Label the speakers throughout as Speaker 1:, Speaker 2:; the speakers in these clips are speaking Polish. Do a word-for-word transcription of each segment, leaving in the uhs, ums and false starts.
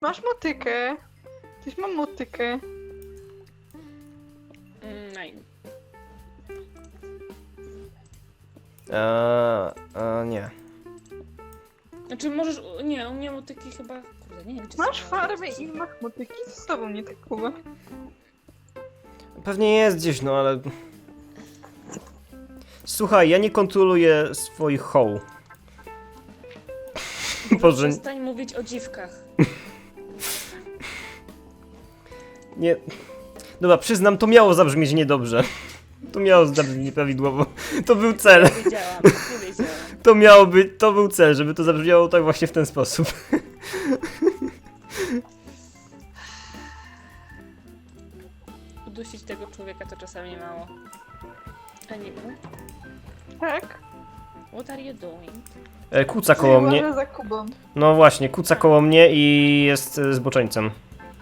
Speaker 1: Masz motykę. Tyś mam motykę.
Speaker 2: Mm, Nine.
Speaker 3: Eee, e, nie.
Speaker 2: Znaczy możesz... u- Nie, u mnie motyki chyba... Kurde, nie wiem czy...
Speaker 1: Masz
Speaker 2: są-
Speaker 1: farmę i masz motyki. Z tobą nie tak Kuba.
Speaker 3: Pewnie jest gdzieś, no ale... Słuchaj, ja nie kontroluję swoich hoł. Boże,
Speaker 2: Przestań mówić o dziwkach.
Speaker 3: nie... Dobra, przyznam, to miało zabrzmieć niedobrze. To miało zabrzmieć nieprawidłowo. To był cel.
Speaker 2: Nie wiedziałam, nie wiedziałam.
Speaker 3: To miało być, to był cel, żeby to zabrzmiało tak właśnie w ten sposób.
Speaker 2: Udusić tego człowieka to czasami mało. Anyway,
Speaker 1: Tak?
Speaker 2: what are you doing?
Speaker 3: E, Kuca koło mnie.
Speaker 1: Uważaj za Kubą.
Speaker 3: No właśnie, kuca koło mnie i jest e, zboczeńcem.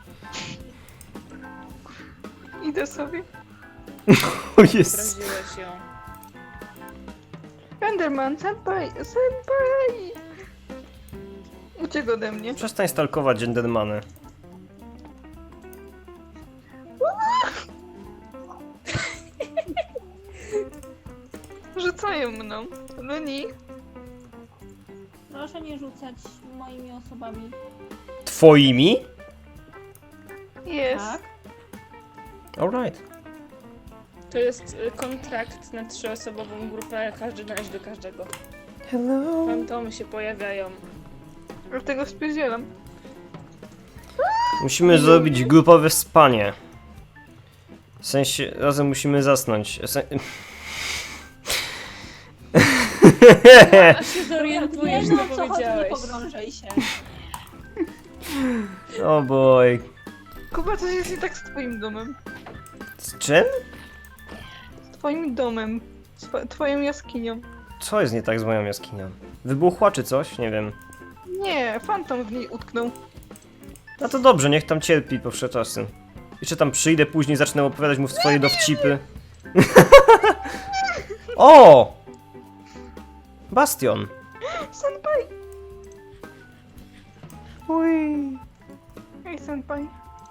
Speaker 1: Idę sobie.
Speaker 3: O jest.
Speaker 2: Obraziłeś ją.
Speaker 1: Enderman, senpai, senpai! Uciekł ode mnie.
Speaker 3: Przestań stalkować gendermany.
Speaker 1: Rzucają mną. Luni.
Speaker 4: Proszę nie rzucać moimi osobami.
Speaker 3: Twoimi?
Speaker 1: Jest.
Speaker 4: Tak?
Speaker 3: Alright.
Speaker 2: To jest y, kontrakt na trzyosobową grupę, każdy należy do każdego.
Speaker 3: Hello.
Speaker 2: Fantomy się pojawiają.
Speaker 1: Dlatego spierdzielam.
Speaker 3: Musimy zrobić grupowe spanie. W sensie, razem musimy zasnąć. Sen...
Speaker 2: Aż się zorientujesz,
Speaker 4: nie
Speaker 2: co
Speaker 4: wiem, o co chodzi, nie
Speaker 2: powiedziałeś.
Speaker 4: pogrążaj się.
Speaker 3: O boj.
Speaker 1: Kuba, coś jest nie tak z twoim domem.
Speaker 3: Z czym?
Speaker 1: Z twoim domem. Z tw- twoją jaskinią.
Speaker 3: Co jest nie tak z moją jaskinią? Wybuchła czy coś? Nie wiem.
Speaker 1: Nie, fantom w niej utknął.
Speaker 3: No to dobrze, niech tam cierpi po wsze czasy. Jeszcze tam przyjdę później, zacznę opowiadać mu swoje dowcipy. O! Bastion.
Speaker 1: Senpai!
Speaker 3: Ui.
Speaker 1: Hej, senpai.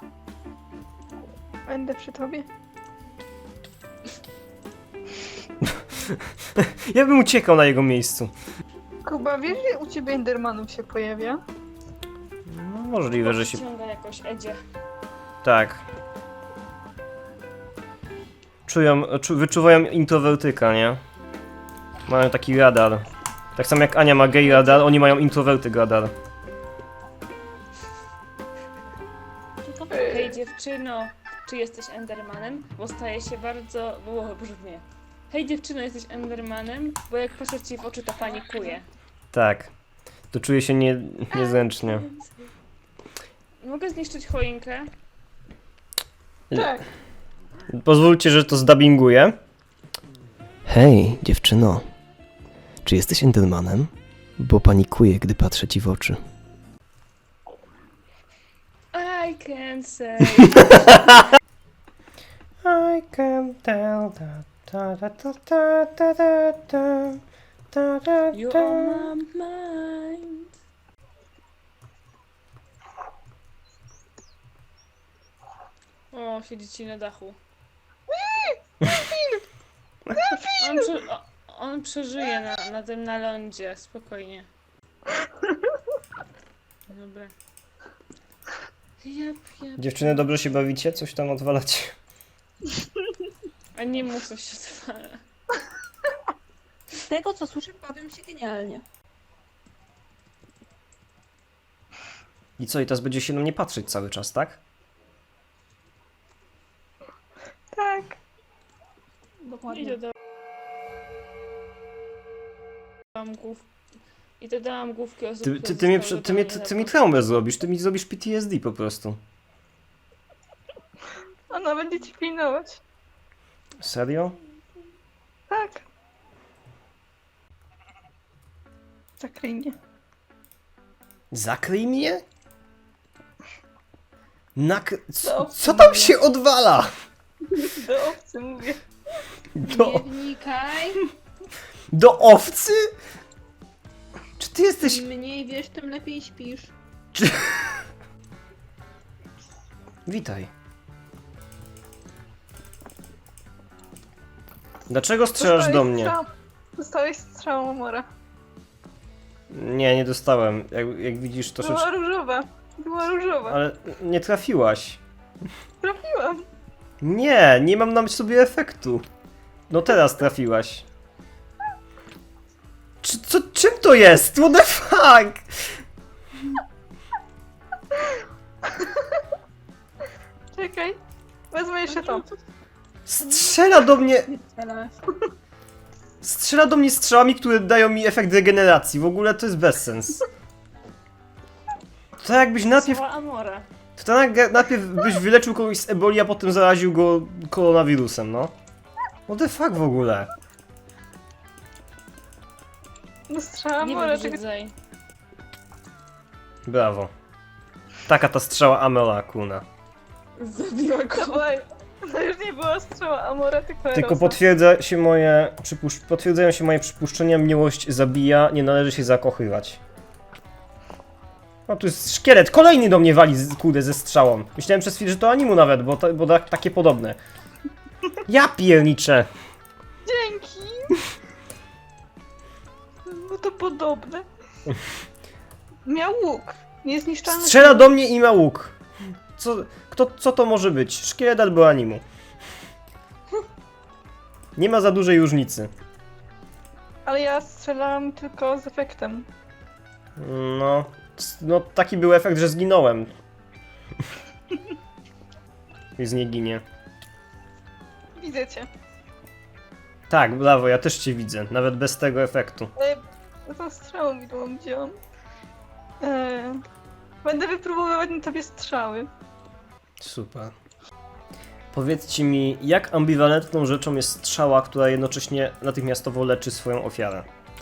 Speaker 1: Będę przy tobie.
Speaker 3: Ja bym uciekał na jego miejscu.
Speaker 1: Kuba, wiesz, że u ciebie Endermanów się pojawia?
Speaker 3: No, możliwe, że się...
Speaker 2: Ściąga jakoś Edzie.
Speaker 3: Tak. Czują, czu, wyczuwają introwertyka, nie? Mają taki radar. Tak samo jak Ania ma gay radar, oni mają introwertyk radar.
Speaker 4: Tylko
Speaker 2: Hej dziewczyno, czy jesteś Endermanem? Bo staje się bardzo... O, brzmi. Hej dziewczyno, jesteś Endermanem? Bo jak patrzę ci w oczy, to panikuję.
Speaker 3: Tak. To czuję się nie, niezręcznie.
Speaker 2: Mogę zniszczyć choinkę?
Speaker 1: Tak.
Speaker 3: Pozwólcie, że to zdubbinguję. Hej, dziewczyno. Czy jesteś Endermanem? Bo panikuję, gdy patrzę ci w oczy.
Speaker 2: I can say...
Speaker 3: I can tell that ta ta ta ta ta ta ta ta ta
Speaker 2: You
Speaker 3: ta.
Speaker 2: are my mind. O, siedzi ci na dachu. On, prze, o, on przeżyje na, na tym na lądzie, spokojnie. Dobra. Jep, jep.
Speaker 3: Dziewczyny, dobrze się bawicie? Coś tam odwalacie?
Speaker 2: A nie mów, coś się odwala.
Speaker 4: z tego co słyszę, bawię się genialnie.
Speaker 3: I co, i teraz będzie się na mnie patrzeć cały czas, tak?
Speaker 1: Tak.
Speaker 4: Dokładnie.
Speaker 2: I dodałam głów... I dodałam główki osób,
Speaker 3: Ty,
Speaker 2: które
Speaker 3: ty, ty, mnie,
Speaker 2: zostały
Speaker 3: prze- ty, mnie, ty, ty mi traumę zrobisz, ty mi zrobisz P T S D po prostu.
Speaker 1: Ona będzie ci pilnować.
Speaker 3: Serio?
Speaker 1: Tak. Zakryj mnie.
Speaker 3: Zakryj mnie? Nak... Co,
Speaker 1: No,
Speaker 3: co tam się odwala?
Speaker 1: Do owcy mówię.
Speaker 3: Do,
Speaker 4: Nie wnikaj.
Speaker 3: do owcy? Czy ty jesteś...
Speaker 4: Im mniej wiesz, tym lepiej śpisz.
Speaker 3: Czy... Witaj. Dlaczego strzelasz do
Speaker 1: Dostałeś
Speaker 3: mnie?
Speaker 1: strzał- Dostałeś strzałą Amora.
Speaker 3: Nie, nie dostałem. Jak, jak widzisz, to
Speaker 1: Była
Speaker 3: rzecz...
Speaker 1: różowa. Była różowa.
Speaker 3: Ale nie trafiłaś.
Speaker 1: Trafiłam.
Speaker 3: Nie, nie mam na sobie efektu. No teraz trafiłaś. Czy, co, czym to jest? What the fuck?
Speaker 1: Czekaj. Wezmę jeszcze to.
Speaker 3: Strzela do mnie...
Speaker 4: Ale...
Speaker 3: Strzela do mnie strzałami, które dają mi efekt regeneracji. W ogóle to jest bezsens. To jakbyś najpierw...
Speaker 2: Cała Amora.
Speaker 3: To tak najpierw byś wyleczył kogoś z eboli, a potem zaraził go koronawirusem, no. What the fuck w ogóle?
Speaker 1: No strzała
Speaker 2: Nie
Speaker 1: Amora. Czekaj.
Speaker 2: wybrzydzaj.
Speaker 3: Brawo. Taka ta strzała Amela Kuna.
Speaker 2: Zabiła
Speaker 1: To,
Speaker 2: go.
Speaker 1: była, to już nie była strzała Amora, tylko
Speaker 3: Tylko
Speaker 1: Erosa.
Speaker 3: potwierdza się moje przypusz- potwierdzają się moje przypuszczenia, miłość zabija, nie należy się zakochywać. No tu jest szkielet, kolejny do mnie wali, z- kurde, ze strzałą. Myślałem przez chwilę, że to animu nawet, bo, ta, bo ta, takie podobne. Ja pierniczę.
Speaker 1: Dzięki! No to podobne. Miał łuk. Niezniszczalny.
Speaker 3: Strzela do mnie i ma łuk. Co, kto, co to może być? Szkielet albo animu? Nie ma za dużej różnicy.
Speaker 1: Ale ja strzelałam tylko z efektem.
Speaker 3: No, no taki był efekt, że zginąłem. I z nie ginie.
Speaker 1: Widzę cię.
Speaker 3: Tak, brawo, ja też cię widzę, nawet bez tego efektu.
Speaker 1: Ale tą strzałą widłą wziąłam. Eee, będę wypróbowywać na tobie strzały.
Speaker 3: Super. Powiedzcie mi, jak ambiwalentną rzeczą jest strzała, która jednocześnie natychmiastowo leczy swoją ofiarę?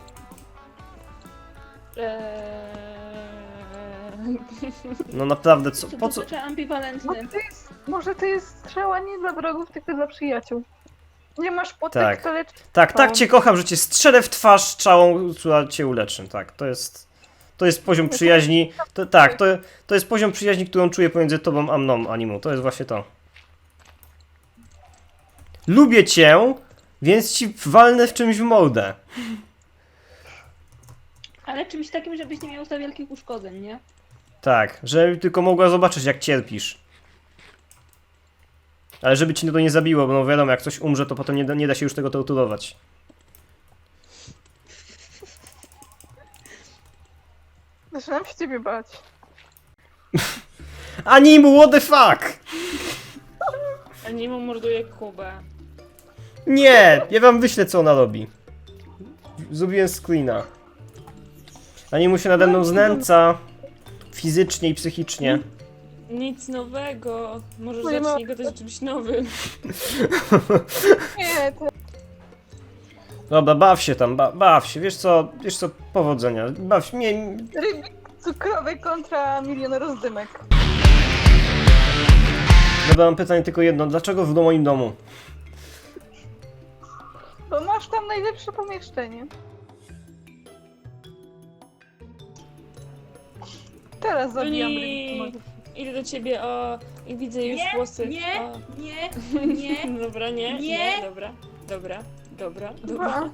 Speaker 2: Eee...
Speaker 3: No naprawdę, co,
Speaker 4: Co
Speaker 3: po
Speaker 4: to
Speaker 3: co?
Speaker 4: znaczy
Speaker 1: Bo
Speaker 4: ambiwalentny?
Speaker 1: to jest, może to jest strzała nie dla wrogów, tylko dla przyjaciół. Nie masz potek,
Speaker 3: Tak.
Speaker 1: to lecz...
Speaker 3: Tak, tak
Speaker 1: O.
Speaker 3: cię kocham, że cię strzelę w twarz strzałą, która cię uleczy. Tak, to jest... To jest poziom przyjaźni, to, tak, to, to jest poziom przyjaźni, którą czuję pomiędzy tobą a mną, Animu, to jest właśnie to. Lubię cię, więc ci walnę w czymś w mordę.
Speaker 4: Ale czymś takim, żebyś nie miał za wielkich uszkodzeń, nie?
Speaker 3: Tak, żeby tylko mogła zobaczyć, jak cierpisz. Ale żeby ci to nie zabiło, bo no wiadomo, jak coś umrze, to potem nie da, nie da się już tego torturować.
Speaker 1: Zaczynam się ciebie bać.
Speaker 3: Animu, what the fuck?
Speaker 2: Animo morduje Kubę.
Speaker 3: Nie, ja wam wyślę, co ona robi. Zrobiłem screena. Animu się nade mną znęca. Fizycznie i psychicznie.
Speaker 2: Nic nowego. Może
Speaker 1: Moja
Speaker 2: zacznij gadać o czymś nowym.
Speaker 1: Nie, to...
Speaker 3: Dobra, baw się tam, ba baw się. Wiesz co, wiesz co, powodzenia. Baw się, nie...
Speaker 1: Rybik cukrowy kontra milion rozdymek.
Speaker 3: Dobra, mam pytanie tylko jedno. Dlaczego w moim domu?
Speaker 1: Bo masz tam najlepsze pomieszczenie. Teraz zabijam
Speaker 2: Nie.
Speaker 1: rybik.
Speaker 2: Idę do ciebie, o... I widzę już
Speaker 4: Nie,
Speaker 2: włosy.
Speaker 4: nie.
Speaker 2: O.
Speaker 4: Nie, nie.
Speaker 2: Dobra, nie, nie,
Speaker 4: Nie.
Speaker 2: dobra, dobra, dobra, dobra.
Speaker 1: Dwa.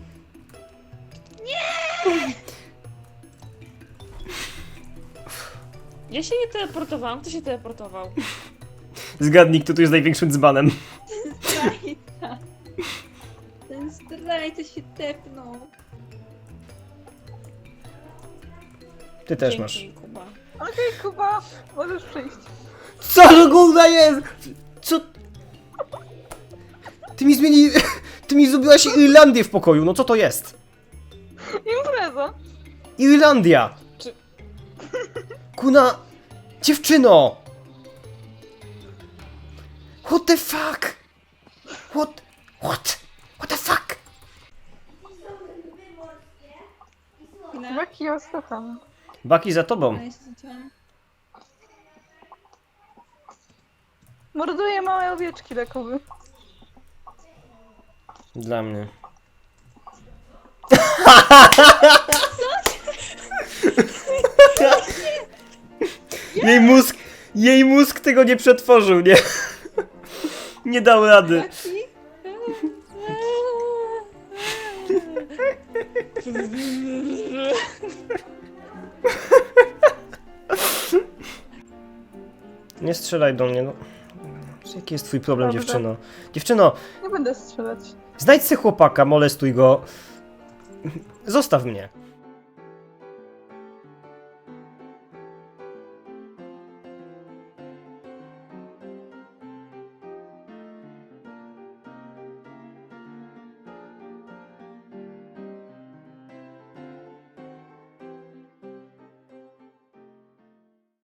Speaker 2: Ja się nie teleportowałam, kto się teleportował?
Speaker 3: Zgadnij, kto tu jest największym dzbanem.
Speaker 4: Zdrajca. Ten zdrajca się tepnął.
Speaker 3: Ty też
Speaker 2: Dzięki,
Speaker 3: masz.
Speaker 2: Kuba.
Speaker 1: Okej, Kuba, możesz przyjść.
Speaker 3: Co to kurwa jest? Co? Ty mi zmieni... Ty mi zrobiłaś Irlandię w pokoju, no co to jest?
Speaker 1: Impreza.
Speaker 3: Irlandia!
Speaker 2: Czy-
Speaker 3: Kuna... Dziewczyno! What the fuck? What? What? What the fuck?
Speaker 4: No.
Speaker 1: Baki, ja słucham.
Speaker 3: Baki za tobą.
Speaker 4: A jeszcze zacząłem.
Speaker 1: Morduję małe owieczki lekowe.
Speaker 3: Dla mnie. Jej mózg... Jej mózg tego nie przetworzył, nie? Nie dał rady. Nie strzelaj do mnie, no. Jaki jest twój problem,
Speaker 1: Dobrze.
Speaker 3: dziewczyno? Dziewczyno,
Speaker 1: Nie będę strzelać.
Speaker 3: znajdź se chłopaka, molestuj go. Zostaw mnie.